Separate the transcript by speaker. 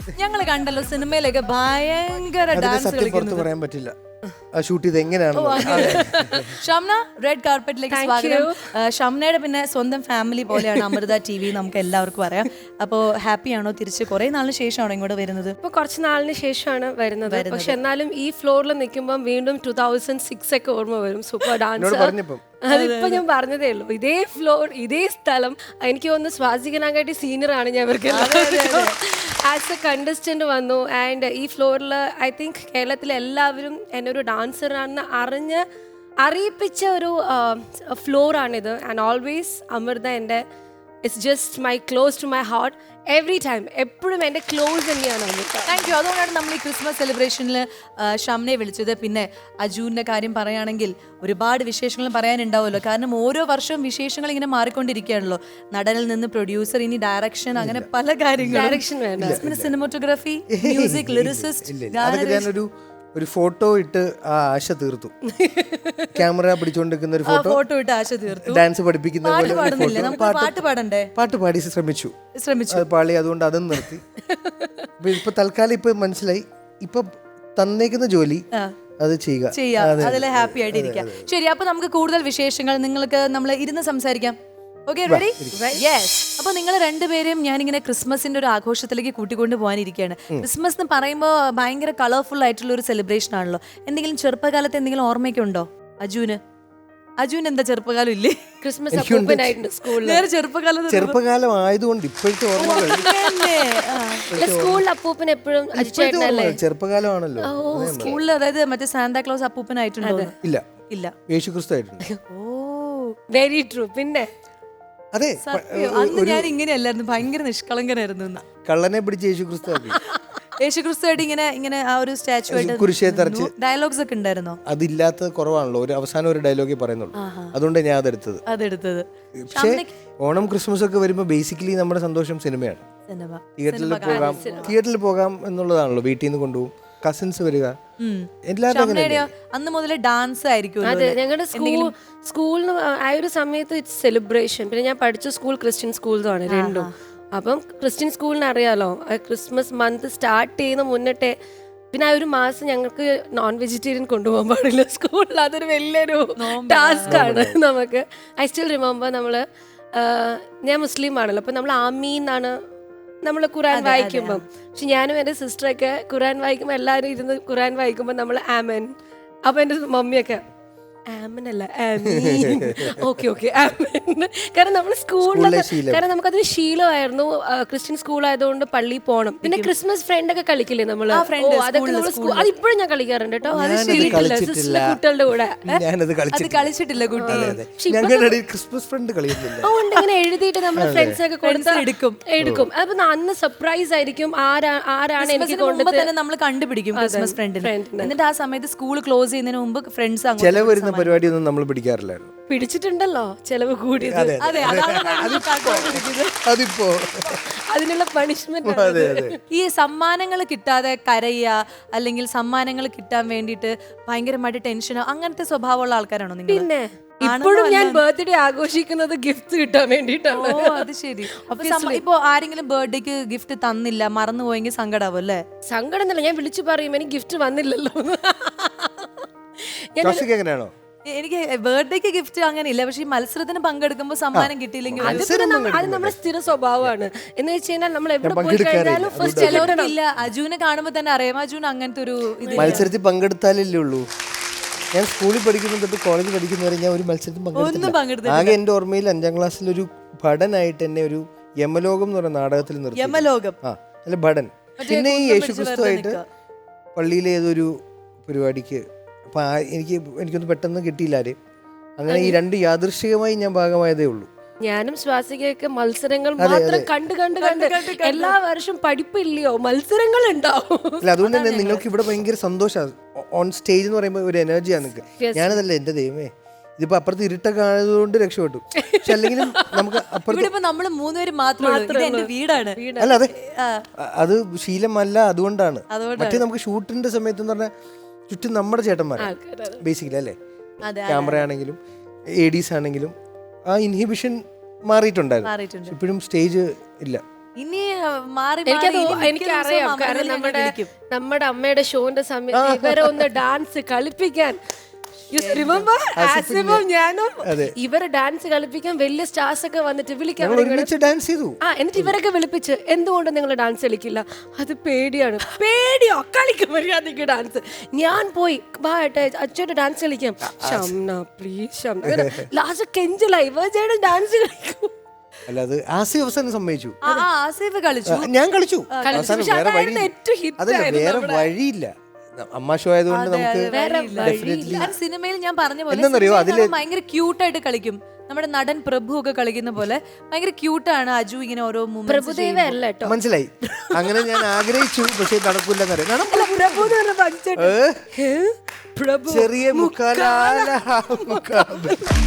Speaker 1: ഞങ്ങൾ കണ്ടല്ലോ സിനിമയിലൊക്കെ ഭയങ്കര ഡാൻസ്
Speaker 2: സത്യം പുറത്ത് പറയാൻ പറ്റില്ല ഷൂട്ട് ചെയ്ത് എങ്ങനെയാണ്.
Speaker 1: ഷംന, റെഡ് കാർപ്പറ്റിലേക്ക് സ്വാഗതം. ഷംനയുടെ പിന്നെ സ്വന്തം ഫാമിലി പോലെയാണ് അമൃത TV, നമുക്ക് എല്ലാവർക്കും അറിയാം. അപ്പോൾ ഹാപ്പിയാണോ തിരിച്ച് കുറെ നാളിന് ശേഷമാണോ ഇങ്ങോട്ട് വരുന്നത്?
Speaker 3: ഇപ്പൊ കുറച്ച് നാളിന് ശേഷമാണ് വരുന്നത്. പക്ഷെ എന്നാലും ഈ ഫ്ലോറിൽ നിൽക്കുമ്പോൾ വീണ്ടും 2006 ഒക്കെ ഓർമ്മ വരും. സൂപ്പർ ഡാൻസ് അതിപ്പോ ഞാൻ പറഞ്ഞതേ ഉള്ളൂ. ഇതേ ഫ്ലോർ, ഇതേ സ്ഥലം. എനിക്ക് തോന്നുന്നു സ്വാസികനാകാട്ടി സീനിയർ ആണ് ഞാൻ ഇവർക്ക് ആസ് എ കണ്ടസ്റ്റന്റ് വന്നു. ആൻഡ് ഈ ഫ്ലോറിൽ ഐ തിങ്ക് കേരളത്തിലെ എല്ലാവരും എന്നെ ഒരു ഡാൻസറാണെന്ന് അറിയിപ്പിച്ച ഒരു ഫ്ലോറാണിത്. ആൻഡ് ഓൾവേസ് അമൃത എൻ്റെ it's just my close to my heart every time. എപ്പോഴും എൻ്റെ ക്ലോസ് തന്നെയാണ് അമൃത.
Speaker 1: Thank you. അതുകൊണ്ടാണ് നമ്മൾ ഈ ക്രിസ്മസ് സെലിബ്രേഷനിൽ ഷംനയെ വിളിച്ചത്. പിന്നെ അജുവിൻ്റെ കാര്യം പറയുകയാണെങ്കിൽ ഒരുപാട് വിശേഷങ്ങൾ പറയാനുണ്ടാവുമല്ലോ. കാരണം ഓരോ വർഷവും വിശേഷങ്ങൾ ഇങ്ങനെ മാറിക്കൊണ്ടിരിക്കുകയാണല്ലോ. നടനിൽ നിന്ന് പ്രൊഡ്യൂസർ, ഇനി ഡയറക്ഷൻ, അങ്ങനെ പല കാര്യങ്ങളും.
Speaker 3: ഡയറക്ഷൻ വേണ്ട,
Speaker 1: സിനിമോട്ടോഗ്രാഫി, മ്യൂസിക്, ലിറിസിസ്റ്റ്.
Speaker 2: ഒരു ഫോട്ടോ ഇട്ട് ആ ആശ തീർത്തു. ക്യാമറ പിടിച്ചോണ്ടിരിക്കുന്ന ഒരു ഫോട്ടോ
Speaker 1: ഇട്ട് ആശ തീർത്തു.
Speaker 2: ഡാൻസ് പഠിപ്പിക്കുന്ന പോലെ
Speaker 1: പാട്ട് പാടണ്ടേ?
Speaker 2: പാട്ട് പാടി ശ്രമിച്ചു. അത് പാളി, അതുകൊണ്ട് അതും നിർത്തി. ഇപ്പൊ തൽക്കാലം ഇപ്പൊ മനസ്സിലായി, ഇപ്പൊ തന്നേക്കുന്ന ജോലി അത്
Speaker 1: ചെയ്യാം. അതിൽ ഹാപ്പി ആയിട്ട് ഇരിക്കാം. ശരി, അപ്പൊ നമുക്ക് കൂടുതൽ വിശേഷങ്ങൾ നിങ്ങൾക്ക് നമ്മൾ ഇരുന്ന് സംസാരിക്കാം. Okay, ready? യെസ്. അപ്പൊ നിങ്ങൾ രണ്ടുപേരും ഞാനിങ്ങനെ ക്രിസ്മസിന്റെ ഒരു ആഘോഷത്തിലേക്ക് കൂട്ടിക്കൊണ്ട് പോകാനിരിക്കുകയാണ്. ക്രിസ്മസ് എന്ന് പറയുമ്പോൾ ഭയങ്കര കളർഫുൾ ആയിട്ടുള്ള ഒരു സെലിബ്രേഷൻ ആണല്ലോ. എന്തെങ്കിലും ചെറുപ്പകാലത്ത് എന്തെങ്കിലും ഓർമ്മയൊക്കെ ഉണ്ടോ അജുന്? എന്താ ചെറുപ്പകാലം ഇല്ലേ?
Speaker 3: ക്രിസ്മസ് അപ്പൂപ്പനായിട്ടുണ്ട് സ്കൂളിൽ.
Speaker 2: ചെറുപ്പകാലം ആയതുകൊണ്ട് ഇപ്പോഴത്തെ ഓർമ്മകൾ
Speaker 3: സ്കൂളിൽ അപ്പൂപ്പൻ എപ്പോഴും
Speaker 2: ചെറുപ്പകാലമാണല്ലോ.
Speaker 1: സ്കൂളിൽ അതായത് മറ്റേ സാന്താക്ലോസ് അപ്പൂപ്പനായിട്ടുണ്ടോ? ഇല്ല,
Speaker 2: യേശുക്രിസ്തു ആയിട്ടുണ്ട്.
Speaker 1: ഓ,
Speaker 3: വെരി ട്രൂ. പിന്നെ
Speaker 2: അതെ,
Speaker 1: അന്ന് ഞാൻ ഇങ്ങനെയല്ലായിരുന്നു, ഭയങ്കര നിഷ്കളങ്കനായിരുന്നു.
Speaker 2: കള്ളനെ പിടിച്ച് യേശുക്രിസ്തു
Speaker 1: ഇങ്ങനെ ആ ഒരു സ്റ്റാച്ചു ആയിട്ട്
Speaker 2: കുരിശേ തറച്ച്
Speaker 1: ഡയലോഗ്സ് ഒക്കെ ഉണ്ടായിരുന്നോ?
Speaker 2: അതില്ലാത്ത കുറവാണല്ലോ. ഒരു അവസാനം ഒരു ഡയലോഗേ പറയുന്നുള്ളൂ. അതുകൊണ്ട് ഞാൻ അതെടുത്തത്. പക്ഷേ ഓണം ക്രിസ്മസ് ഒക്കെ വരുമ്പോൾ ബേസിക്കലി നമ്മുടെ സന്തോഷം സിനിമയാണ്. തിയേറ്ററിൽ പോകാം എന്നുള്ളതാണല്ലോ. വീട്ടിൽ നിന്ന് കൊണ്ടുപോകും, കസിൻസ് വരിക,
Speaker 1: അന്ന് മുതലേ ഡാൻസ് ആയിരിക്കും.
Speaker 3: അതെ, ഞങ്ങളുടെ സ്കൂളിന് ആ ഒരു സമയത്ത് ഇറ്റ്സ് സെലിബ്രേഷൻ. പിന്നെ ഞാൻ പഠിച്ച സ്കൂൾ ക്രിസ്ത്യൻ സ്കൂൾസാണ് രണ്ടും. അപ്പം ക്രിസ്ത്യൻ സ്കൂളിന് അറിയാലോ, ക്രിസ്മസ് മന്ത് സ്റ്റാർട്ട് ചെയ്യുന്ന മുന്നേ പിന്നെ ആ ഒരു മാസം ഞങ്ങൾക്ക് നോൺ വെജിറ്റേറിയൻ കൊണ്ടുപോകാൻ പാടില്ല സ്കൂളിൽ. അതൊരു വലിയൊരു ടാസ്ക് ആണ് നമുക്ക്. ഐ സ്റ്റിൽ റിമെമ്പർ, ഞാൻ മുസ്ലിം ആണല്ലോ, അപ്പം നമ്മൾ ആമീന്നാണ് നമ്മൾ ഖുറാൻ വായിക്കുമ്പം. പക്ഷെ ഞാനും എൻ്റെ സിസ്റ്ററൊക്കെ ഖുറാൻ വായിക്കുമ്പോൾ എല്ലാവരും ഇരുന്ന് ഖുറാൻ വായിക്കുമ്പോൾ നമ്മൾ ആമൻ. അപ്പം എൻ്റെ മമ്മിയൊക്കെ ആമൻ അല്ല ആമീൻ. ഓക്കെ ആമൻ. കാരണം നമ്മൾ സ്കൂളിലൊക്കെ, കാരണം നമുക്കതൊരു ശീലമായിരുന്നു. ക്രിസ്ത്യൻ സ്കൂൾ ആയതുകൊണ്ട് പള്ളിയിൽ പോകണം. പിന്നെ ക്രിസ്മസ് ഫ്രണ്ട് ഒക്കെ കളിക്കില്ലേ നമ്മൾ, അതിപ്പോഴും ഞാൻ കളിക്കാറുണ്ട് കേട്ടോ. കുട്ടികളുടെ കൂടെ
Speaker 1: കളിച്ചിട്ടില്ല കുട്ടി.
Speaker 2: ക്രിസ്മസ് ഫ്രണ്ട്
Speaker 3: ഇങ്ങനെ എഴുതിയിട്ട് നമ്മൾ ഫ്രണ്ട്സ് ഒക്കെ കൊടുത്ത് എടുക്കും. അപ്പൊ അന്ന് സർപ്രൈസ് ആയിരിക്കും ആരാണ് എനിക്ക് കൊണ്ടുതന്നെ
Speaker 1: നമ്മൾ കണ്ടുപിടിക്കും ക്രിസ്മസ് ഫ്രണ്ടിന്. എന്നിട്ട് ആ സമയത്ത് സ്കൂൾ ക്ലോസ് ചെയ്യുന്നതിന് മുമ്പ് ഫ്രണ്ട്സ്
Speaker 2: പരിപാടിയൊന്നും നമ്മൾ പിടിക്കാറില്ലായിരുന്നു.
Speaker 3: പിടിച്ചിട്ടുണ്ടല്ലോ, ചെലവ് കൂടി.
Speaker 2: അതിപ്പോ
Speaker 3: അതിനുള്ള പണിഷ്മെന്റ്.
Speaker 1: ഈ സമ്മാനങ്ങൾ കിട്ടാതെ കരയുക, അല്ലെങ്കിൽ സമ്മാനങ്ങൾ കിട്ടാൻ വേണ്ടിയിട്ട് ഭയങ്കരമായിട്ട് ടെൻഷനോ, അങ്ങനത്തെ സ്വഭാവമുള്ള ആൾക്കാരാണോ നിങ്ങൾ?
Speaker 3: പിന്നെ ഇപ്പോഴും ഞാൻ ബർത്ത്ഡേ ആഘോഷിക്കുന്നത് ഗിഫ്റ്റ് കിട്ടാൻ വേണ്ടിയിട്ടാണ്.
Speaker 1: അത് ശരി. അപ്പൊ ഇപ്പൊ ആരെങ്കിലും ബർത്ത്ഡേക്ക് ഗിഫ്റ്റ് തന്നില്ല, മറന്നുപോയെങ്കിൽ സങ്കടാവും അല്ലേ?
Speaker 3: സങ്കടം എന്നല്ല, ഞാൻ വിളിച്ചു പറയും എനിക്ക് ഗിഫ്റ്റ് വന്നില്ലല്ലോ.
Speaker 2: എങ്ങനെയാണോ?
Speaker 1: എനിക്ക് ബർത്ത്ഡേക്ക് ഗിഫ്റ്റ് അങ്ങനെ ഇല്ല. പക്ഷെ ഈ മത്സരത്തിന് പങ്കെടുക്കുമ്പോൾ സമ്മാനം കിട്ടിയില്ലെങ്കിൽ
Speaker 3: അത് നമ്മുടെ സ്ഥിര സ്വഭാവമാണ്. എന്ന് വെച്ച് കഴിഞ്ഞാൽ നമ്മൾ എവിടെ പോയി കഴിഞ്ഞാലും ഫസ്റ്റ്
Speaker 1: ചിലവർക്കില്ല. അജുവിനെ കാണുമ്പോൾ തന്നെ അറിയാം അജുന് അങ്ങനത്തെ ഒരു
Speaker 2: മത്സരത്തിൽ പങ്കെടുത്താലല്ലേ ഉള്ളൂ. ഞാൻ സ്കൂളിൽ പഠിക്കുന്ന തൊട്ട് കോളേജ് പഠിക്കുന്നവരെ ഞാൻ ഒരു മത്സരത്തിൽ പങ്കെടുത്തില്ല. ആകെ എൻ്റെ ഓർമ്മയിൽ 5ാം ക്ലാസ്സിൽ ഒരു ഭടനായിട്ട് എന്നെ ഒരു യമലോകം എന്ന് പറയുന്ന നാടകത്തിൽ നിർത്തി.
Speaker 1: യമലോകം
Speaker 2: അല്ല, ഭടൻ. പിന്നെ ഈ യേശുക്രിസ്തുവായിട്ട് പള്ളിയിലെ ഏതൊരു പരിപാടിക്ക് അപ്പൊ എനിക്കൊന്നും പെട്ടെന്ന് കിട്ടിയില്ല ആരെയും. അങ്ങനെ ഈ രണ്ട് യാദൃശ്ചികമായി ഞാൻ ഭാഗമായതേ ഉള്ളൂ.
Speaker 3: ഞാനും ശ്വാസികയൊക്കെ മത്സരങ്ങൾ മാത്രം കണ്ട് എല്ലാ വർഷവും പഠിപ്പില്ലയോ, മത്സരങ്ങൾ ഉണ്ടാവും.
Speaker 2: അല്ല, അതുകൊണ്ട് തന്നെ നിങ്ങൾക്ക് ഇവിടെ ഭയങ്കര സന്തോഷമാണ്. ഓൺ സ്റ്റേജ് എന്ന് പറയുമ്പോൾ ഒരു എനർജിയാണ് നിങ്ങൾക്ക്. ഞാനതല്ല, എന്റെ ദൈവമേ, ഇതിപ്പോ അപ്പുറത്ത് ഇരുട്ടൊക്കെ ആയതുകൊണ്ട് രക്ഷപ്പെട്ടു. പക്ഷെ അല്ലെങ്കിലും നമുക്ക് അപ്പുറത്ത്
Speaker 1: നമ്മൾ 3 പേര് മാത്രമേ വീടാണ്.
Speaker 2: അല്ല, അതെ, അത് ശീലമല്ല, അതുകൊണ്ടാണ്. മറ്റേ നമുക്ക് ഷൂട്ടിന്റെ സമയത്ത് എന്ന് പറഞ്ഞാൽ ചുറ്റും നമ്മുടെ ചേട്ടന്മാരാണ് ബേസിക്കലി, അല്ലേ? ക്യാമറ ആണെങ്കിലും ADs ആണെങ്കിലും ആ ഇൻഹിബിഷൻ മാറിയിട്ടുണ്ടായിരുന്നു. ഇപ്പോഴും സ്റ്റേജ് ഇല്ല.
Speaker 1: ഇനി മാറി
Speaker 3: എനിക്കത്
Speaker 1: മാറി ഇനി മിക്ക
Speaker 3: എനിക്കറിയാം
Speaker 1: ദിവസവും
Speaker 3: കാരണം
Speaker 1: അമലിനെ
Speaker 3: നമ്മുടെ
Speaker 1: വിളിക്കും.
Speaker 3: നമ്മുടെ അമ്മയുടെ ഷോന്റെ സമയത്ത് ഇവരെ ഒന്ന് ഡാൻസ് കളിപ്പിക്കാൻ റിമെമ്പർ ആസിഫും ഞാനും ഇവരെ ഡാൻസ് കളിപ്പിക്കാൻ വലിയ സ്റ്റാർസ് ഒക്കെ വന്നിട്ട് വിളിക്കാൻ
Speaker 2: ഒരുമിച്ച് ഡാൻസ് ചെയ്തു.
Speaker 3: എന്നിട്ട് ഇവരൊക്കെ വിളിപ്പിച്ച് എന്തുകൊണ്ട് നിങ്ങൾ ഡാൻസ് കളിക്കില്ല? അത് പേടിയാണ്. പേടിയോ? കളിക്കും മര്യാദയ്ക്ക് ഡാൻസ്. ഞാൻ പോയി അച്ഛയുടെ ഡാൻസ് കളിക്കാം. ഷംന പ്ലീസ് ഷംന ലാസ്റ്റ് കെഞ്ചലായി ഇവരുടെ ഡാൻസ് കളിക്കും.
Speaker 2: അല്ല അത് ആസിഫ് അവസാനം സമ്മതിച്ചു.
Speaker 1: ആസിഫ് കളിച്ചു,
Speaker 2: ഞാൻ കളിച്ചു.
Speaker 3: പക്ഷെ
Speaker 2: വേറെ
Speaker 3: അതായിരുന്നു
Speaker 2: വഴി
Speaker 3: ഏറ്റവും hit
Speaker 2: അതല്ല,
Speaker 3: ആയിരുന്നു
Speaker 2: വേറെ
Speaker 3: നമ്മുടെ.
Speaker 2: വഴിയില്ല. അമ്മ ഷോ ആയതുകൊണ്ട് നമുക്ക്
Speaker 1: ഡെഫിനറ്റ്ലി സിനിമയിൽ ഞാൻ പറഞ്ഞ പോലെ
Speaker 2: എന്താന്നറിയോ,
Speaker 1: സിനിമയിൽ അവൻ ഭയങ്കര ക്യൂട്ടായിട്ട് കളിക്കും. നമ്മുടെ നടൻ പ്രഭു ഒക്കെ കളിക്കുന്ന പോലെ ഭയങ്കര ക്യൂട്ടാണ് അജു. ഇങ്ങനെ ഓരോ
Speaker 3: പ്രഭുദേവ അല്ല കേട്ടോ,
Speaker 2: മനസ്സിലായി. അങ്ങനെ ഞാൻ ആഗ്രഹിച്ചു, പക്ഷെ നടക്കൂലെന്നറിയാം.
Speaker 3: പ്രഭു
Speaker 2: ചെറിയ മുക്കാല